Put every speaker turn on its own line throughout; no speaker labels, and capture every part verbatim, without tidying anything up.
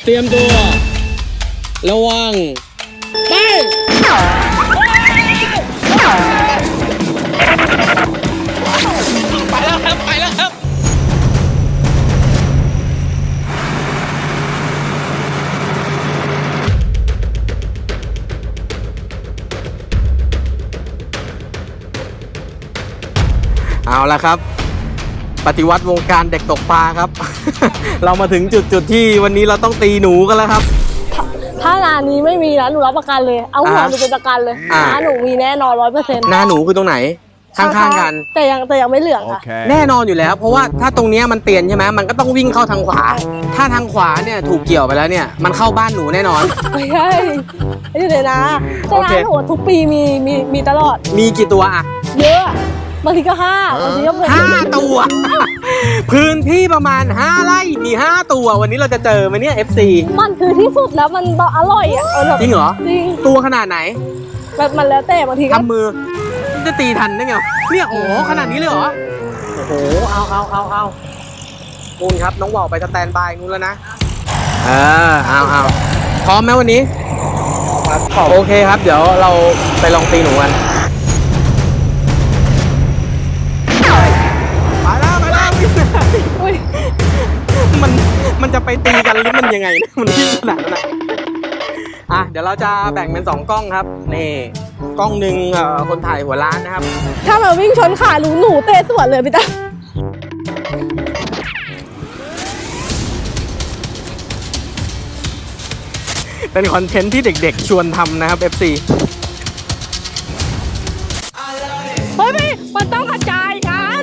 เตรียมตัวระวังไปไปแล้วครับไปแล้วครับเอาละครับปฏิวัติวงการเด็กตกปลาครับ เรามาถึงจุดจุดที่วันนี้เราต้องตีหนูกันแล้วครับ
ถ้าร้านนี้ไม่มีนะหนูรับประกันเลยเอาหัวหนูเป็นประกันเลยร้านหนูมีแน่นอนร้อยเปอร์เซ็นต์
หน้าหนูคือตรงไหนข้างๆกัน
แต่ยังแต่ยังไม่เหลืองค่ะ
okay. แน่นอนอยู่แล้วเพราะว่าถ้าตรงนี้มันเตียนใช่ไหมมันก็ต้องวิ่งเข้าทางขวาถ้าทางขวาเนี่ยถูกเกี่ยวไปแล้วเนี่ยมันเข้าบ้านหนูแน่นอน
ไม่ใช่ไม่ใช่เลยนะแต่ร้านหนูทุกปีมีมีมีตลอด
มีกี่ตัวอะ
เยอะบางทีก็ห้าบางทีก็
ห้าตัว พื้นที่ประมาณห้าไร่มีห้าตัววันนี้เราจะเจอไหมเนี่ย เอฟ ซี
มันคือที่สุดแล้วมันอร่อยอ่ะ
จริงเหรอ
จริง
ตัวขนาดไหน
แบบมันแล้วแต่บางทีก็
ทำมือจะตีทันได้ไงเนี่ยโอ้ขนาดนี้เลยเหรอโอ้โหเอาเอาเอาเอานู่นครับน้องว่าวไปสแตนบายนู่นแล้วนะเออเอาเอาพร้อมไหมวันนี้โอเคครับเดี๋ยวเราไปลองตีหนูกันมาแล้วมาแล้วมันมันจะไปตีกันหรือมันยังไงนะมันที่ขนาดนั้นนะอ่ะเดี๋ยวเราจะแบ่งเป็นสองกล้องครับนี่กล้องหนึ่งคนถ่ายหัวร้านนะครับ
ถ้ามาวิ่งชนขาหนูหนูเตะสวนเลยพี่ตา
เป็นคอนเทนต์ที่เด็กๆชวนทำนะครับ เอฟ ซี
เฮ้ยมันต้องกระจายกัน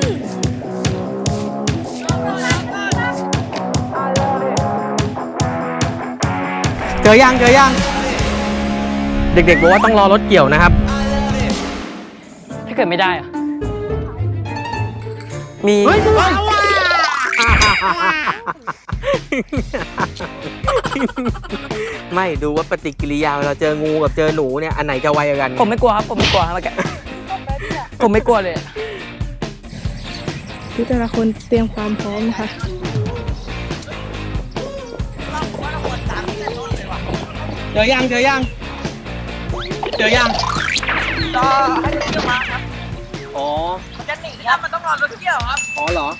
เจอยังเจอยังเด็กๆบอกว่าต้องรอรถเกี่ยวนะครับ
ถ้าเกิดไม่ได้อะ
มีไม่ดูว่าปฏิกิริยาเราเจองูกับเจอหนูเนี่ยอันไหนจะไวกัน
ผมไม่กลัวครับผมไม่กลัวครับผมไม่กลัวเลย
ทุกแต่ละคนเตรียมความพร้อมค่ะ
เจอยังเจอยังเจอยัง
ก็ให้เดี๋ยวมาครับ
อ๋อ
มันจะหนีครับมันต้องรอรถเกี่ยวครับ
อ๋อเหรอ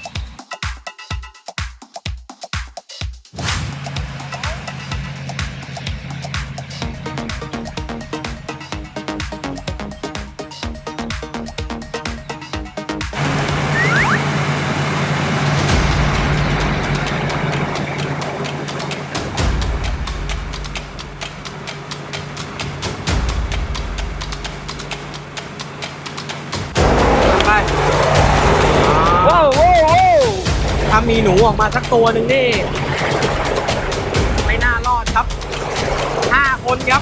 ว้าวถ้ามีหนูออกมาสักตัวหนึ่งนี่ไม่น่ารอดครับห้าคนครับ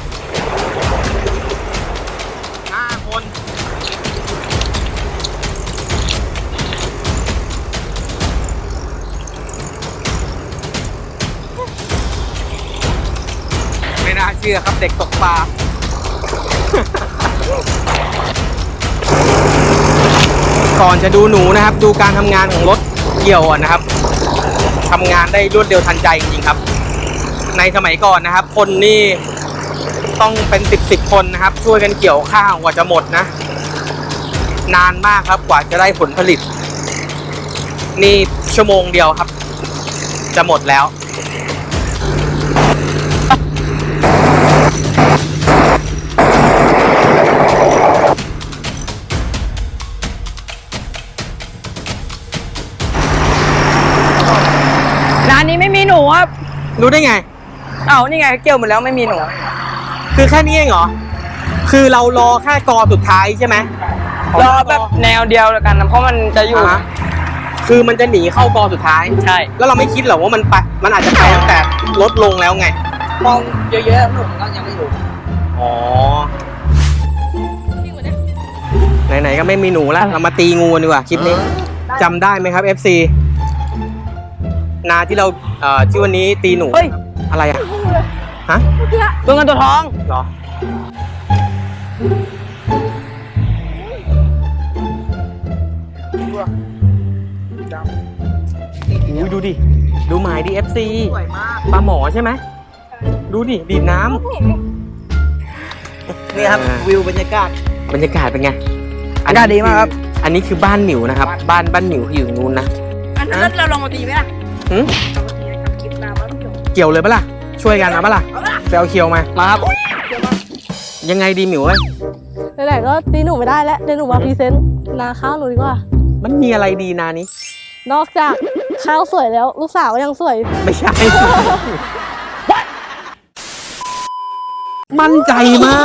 ห้าคนไม่น่าเชื่อครับเด็กตกปลาก่อนจะดูหนูนะครับดูการทำงานของรถเกี่ยวนะครับทำงานได้รวดเร็วทันใจจริงๆครับในสมัยก่อนนะครับคนนี่ต้องเป็นสิบสิบคนนะครับช่วยกันเกี่ยวข้าวกว่าจะหมดนะนานมากครับกว่าจะได้ผลผลิตนี่ชั่วโมงเดียวครับจะหมดแล้ว
ร้านนี้ไม่มีหนูครับ
รู้ได้ไง
เอ้านี่ไงเกี่ยวหมดแล้วไม่มีหนู
คือแค่นี้เองเหรอคือเรารอแค่กอสุดท้ายใช่ไหม
รอแบบแนวเดียวแล้วกันนะเพราะมันจะอยู่
คือมันจะหนีเข้ากอสุดท้าย
ใช่
แล้วเราไม่คิดหรอว่ามันไปมันอาจจะไปตั้งแต่ลดลงแล้วไง
มองเยอะๆหนูก็ยังไม่อยู่
อ๋อไหนๆก็ไม่มีหนูแล้วเรามาตีงูดีกว่าคลิปนี้จำได้ไหมครับ เอฟ ซี นาที่เราเอ่อที่วันนี้ตีหนูอะไรอ่ะฮะ
ตัวเงินตัวทอง
เหรออุ้ยดูดิดูหมายดิ เอฟ ซี
สวยมาก
ปลาหมอใช่ไหมดูดิดีดน้ำ
นี่ครับ
อ่า
วิวบรรยากาศ
บรรยากาศเป็นไง
อากาศดีมากครับ
อันนี้คือบ้านหมิวนะครับ บ้านบ้านหมิวอยู่ตรงนู้นนะ
อันนั้นเราลองมาตีไหมล่ะ
หึ
ลองมาตีนะครับคลิปน้ำมันจบ
เกี่ยวเลยปะล่ะ ช่วยกันนะปะล่ะ
เอาละ
ไปเอาเคียวมา
มาครับ
ยังไงดีหมิวเอ้ย
ไหนๆก็ตีหนูไม่ได้แล้วเดี๋ยวหนูมาพรีเซนต์นาข้าวหนูดีกว่า
มันมีอะไรดีนานี้
นอกจากข้าวสวยแล้ว ลูกสาวก็ยังสวย
ไม่ใช่ มั่นใจมาก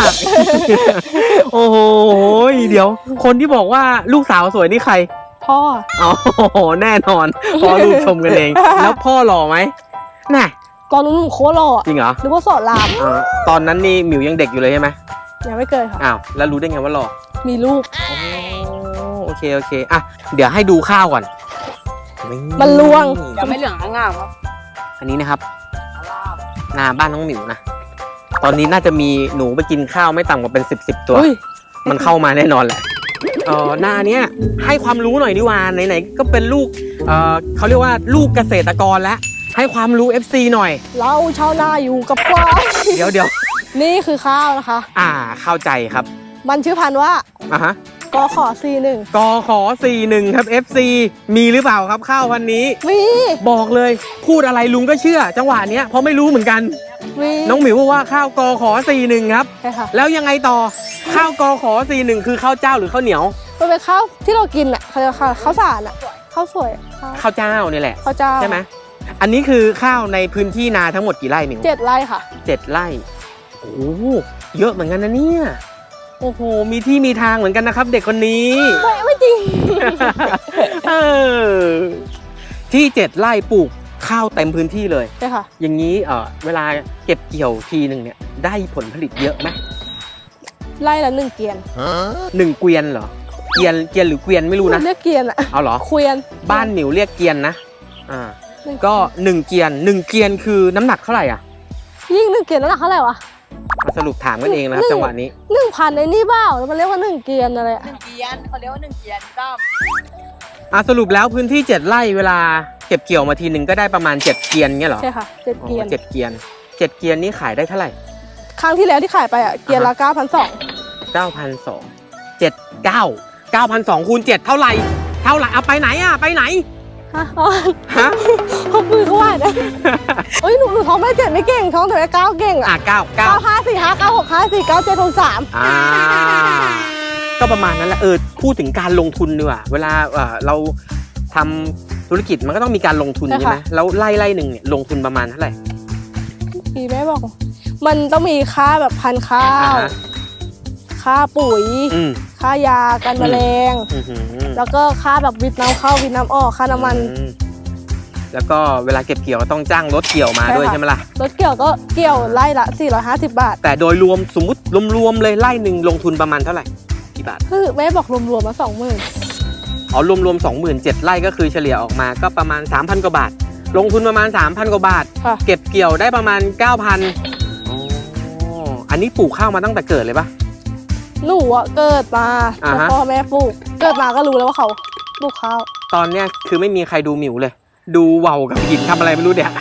โอ้โห เดี๋ยว คนที่บอกว่าลูกสาวสวยนี่ใคร
พ่อ
อ๋อ แน่นอน พอลูกชมกันเอง แล้วพ่อหล่อไหมน่ะ
ตอนนู้นหนูโคตรหล่ออะ
จริงเหรอ
นึกว่าสอนราม
อ่าตอนนั้นนี่หมิวยังเด็กอยู่เลยใช่ไหม
ยังไม่เกิดค่ะ
อ้าว แล้วรู้ได้ไงว่าหล่อ
มีลูก
โอ้โอเค โอเค อ่ะ เดี๋ยวให้ดูข้าวก่อน
มันลวง
ยังไม่เหลืองง่ามครับ
อันนี้นะครับ นาบ้านน้องหมิวนะ ตอนนี้น่าจะมีหนูไปกินข้าวไม่ต่ำกว่าเป็นสิบสิบตัว
อุ้ย
มันเข้ามาแน่นอนแหละเออหน้าเนี้ยให้ความรู้หน่อยดีกว่าไหนๆก็เป็นลูก เออเขาเรียกว่าลูกเกษตรกรแล้ว ให้ความรู้ เอฟ ซี หน่อย
เราชาวนาอยู่กับควาย
เดี๋ยวเดี๋ยว
นี่คือข้าวนะคะ
อ่า เข้าใจครับ
มันชื่อพันธุ์ว่า
อ่ะฮะ
กขอซีหนึ่ง
กขอสี่หนึ่งครับ เอฟ ซี มีหรือเปล่าครับข้าวพันนี้
มี
บอกเลย พูดอะไรลุงก็เชื่อ จังหวะเนี้ยเพราะไม่รู้เหมือนกัน
มี
น้องหมิวบอกว่าข้าวกขอสี่หนึ่งครับ
ใช่ค่ะ
แล้วยังไงต่อ ข้าวกขอสี่หนึ่งคือข้าวเจ้าหรือข้าวเหนียว
มันเป็นข้าวที่เรากินอ่ะเขาเรียกว่าข้าวสารอ่ะข้าวสวยข้าว
ข้าวเจ้านี่แหละ
ข้าวเจ้า
ใช่ไหมอันนี้คือข้าวในพื้นที่นาทั้งหมดกี่ไร่หมิว
เจ็ดไร่ค่ะ
เจ็ดไร่โอ้โหเยอะเหมือนกันนะเนี่ยโอ้โหมีที่มีทางเหมือนกันนะครับ เด็กคนนี้
ไม่ไม่จริง
เออที่เจ็ดไร่ปลูกข้าวเต็มพื้นที่เลย
ใช่ค่ะ
อย่างนี้เออเวลาเก็บเกี่ยวทีหนึ่งเนี่ยได้ผลผลิตเยอะไหม
ไร่ละหนึ่งเกียน
หนึ่งเกวียนเหรอเกวียนเกวียนหรือเกวียนไม่รู้นะ
เรียกเกียนอ่ะ
เอาเหรอ
เกวียน
บ้านหมิวเรียกเกวียนนะอ่า
หนึ่ง
ก็หนึ่งเกวียนหนึ่งเกวียนคือน้ำหนักเท่าไหร่อ่ะ
ยิ่งหนึ่งเกียนนั่นแหละเท่าไหร่วะ
มาสรุปถามกันเองนะครับ
หนึ่ง
จังหวะนี้
หนึ่งพันในนี่เปล่าแล้วมันเรียกว่าหนึ่งเกียนอะไรอะ
หนึ่งเกียนเขาเรียกว่าหนึ่งเกียนตั้ม
อ่ะสรุปแล้วพื้นที่เจ็ดไร่เวลาเก็บเกี่ยวมาทีหนึ่งก็ได้ประมาณเจ็ดเกวียนเงี้ยเหรอ
ใช่ค่ะเจ็ด
อ๋อ
เกียน
เจ็ดเกวียนเจ็ดเกวียนนี้ขายได้เท่าไหร่
ครั้งที่แล้วที่ขายไปอ่ะเกียนละเก้าพันสอง
เก้าพันสองเจ็ดเก้าเก้าพันสองคูณเจ็ดเท่าไหร่เท่าไหร่เอาไปไหนอ่ะไปไหน
ฮะอ๋อ
ฮะ
เขาคุยเขาว่านะเอ้ยหนูหนูท้องไม่เจ็ดไม่เก่งท้องแต่ไม่เก้าเก่ง
อ่ะ
อ่ะ
เก้าเก้า
เก้าห้าสี่ห้าเก้าหกห้าสี่เก้าเจ็ดหกสาม
อ่าก็ประมาณนั้นแหละเออพูดถึงการลงทุนดีกว่าเวลาเอ่อเราทำธุรกิจมันก็ต้องมีการลงทุนใช่ไหมแล้วไล่ไล่หนึ่งเนี่ยลงทุนประมาณเท่าไหร่
พี่แม่บอก มันต้องมีค่าแบบพันธุ์ข้า
อ่าว ฮะ
ค่าปุ๋ย
อืม
ค่ายากันแมลง
อื้อหือ
แล้วก็ค่าแบบวิทย์น้ำเข้าวิทย์น้ำออกค่าน้ำมัน
อืมแล้วก็เวลาเก็บเกี่ยวก็ต้องจ้างรถเกี่ยวมา
ใช่
ด้วย
ค่ะ
ใช่ไหมล่ะ
รถเกี่ยวก็เกี่ยวไร่ละสี่ร้อยห้าสิบบาท
แต่โดยรวมสมมติรวมๆเลยไล่หนึ่งลงทุนประมาณเท่าไหร่กี่บาท
คือแม่บอกรวมๆมาสองหมื่น
อ๋อรวมๆสองหมื่นเจ็ดไร่ก็คือเฉลี่ยออกมาก็ประมาณ สามพัน กว่าบาท ลงทุนประมาณ สามพัน กว่าบาท
ค่ะ
เก็บเกี่ยวได้ประมาณ เก้าพันอ๋ออันนี้ปลูกข้าวมาตั้งแต่เกิดเลยปะ
หนูอะเกิดมา
อ่า
แล้ว
ฮะ
พ่อแม่ปลูก เกิดมาก็รู้แล้วว่าเขาปลูกข้าว
ตอนเนี้ยคือไม่มีใครดูหมิวเลย ดูเว่าวกับหินทำอะไรไม่รู้เดี๋ยว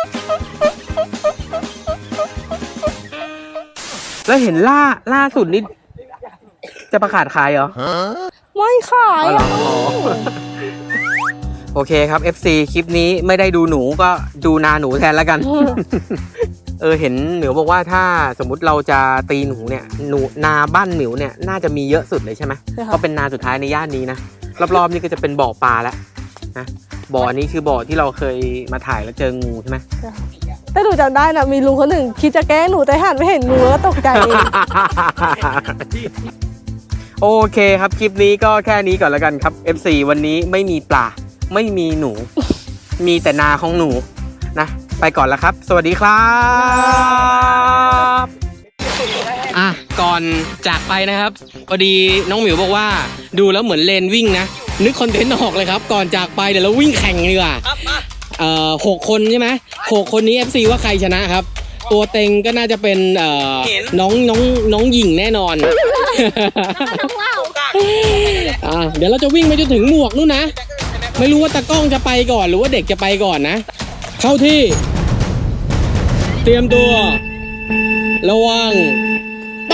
แล้วเห็นล่าล่าสุดนี่จะประกาศขายเหรอ
ไม่ขาย
อ๋อเหรอ
อะ
อ๋อโอเคครับ เอฟ ซี คลิปนี้ไม่ได้ดูหนูก็ดูนาหนูแทนแล้วกัน เออเห็นหมิวบอกว่าถ้าสมมุติเราจะตีหนูเนี่ยหนูนาบ้านหมิวเนี่ยน่าจะมีเยอะสุดเลยใช่ไหม
ใช่ค่ะ
ก็เป็นนาสุดท้ายในย่านนี้นะรอบๆนี่ก็จะเป็นบ่อปลาแล้วนะบ่ออันนี้คือบ่อที่เราเคยมาถ่ายแล้วเจองูใช่ไหม
แต่หนูจำได้นะมีลุงคนหนึ่งคิดจะแกล้งหนูแต่หันไปเห็นงูแล้วก็ตกใจเอง
โอเคครับคลิปนี้ก็แค่นี้ก่อนแล้วกันครับ เอฟ ซี วันนี้ไม่มีปลาไม่มีหนู มีแต่นาของหนูนะไปก่อนแล้วครับ สวัสดีครับอ่ะก่อนจากไปนะครับพอดีน้องหมิวบอกว่าดูแล้วเหมือนเลนวิ่งนะนึกคอนเทนต์ออกเลยครับก่อนจากไปเดี๋ยวเราวิ่งแข่งดีกว่าเอ่อหกคนใช่ไหมหกคนนี้ เอฟ ซี ว่าใครชนะครับ ตัวเต็งก็น่าจะเป็นเอ่อน้องน้องน้องหญิงแน่นอน อ่าเดี๋ยวเราจะวิ่งไปจนถึงหมวกนู่นนะ ไม่รู้ว่าตากล้องจะไปก่อนหรือว่าเด็กจะไปก่อนนะ เข้าที่เตรียมตัว ระวัง ไป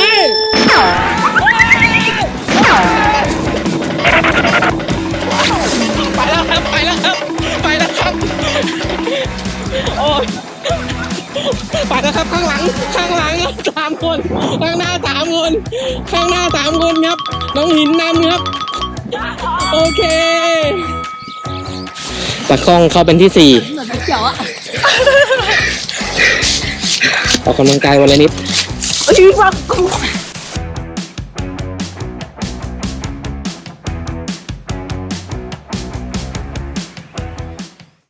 ไปแล้วครับ ไปแล้วครับ ไปแล้วครับ โอ้ยไปแล้วครับ ข้างหลัง ข้างหลังสามคน ข้างหน้าสามคน ข้างหน้าสามคนครับ น้องหินนำครับ โอเคตะคองเข้าเป็นที่สี่เหมือนเขียวอะออกกำลังกายวันละนิด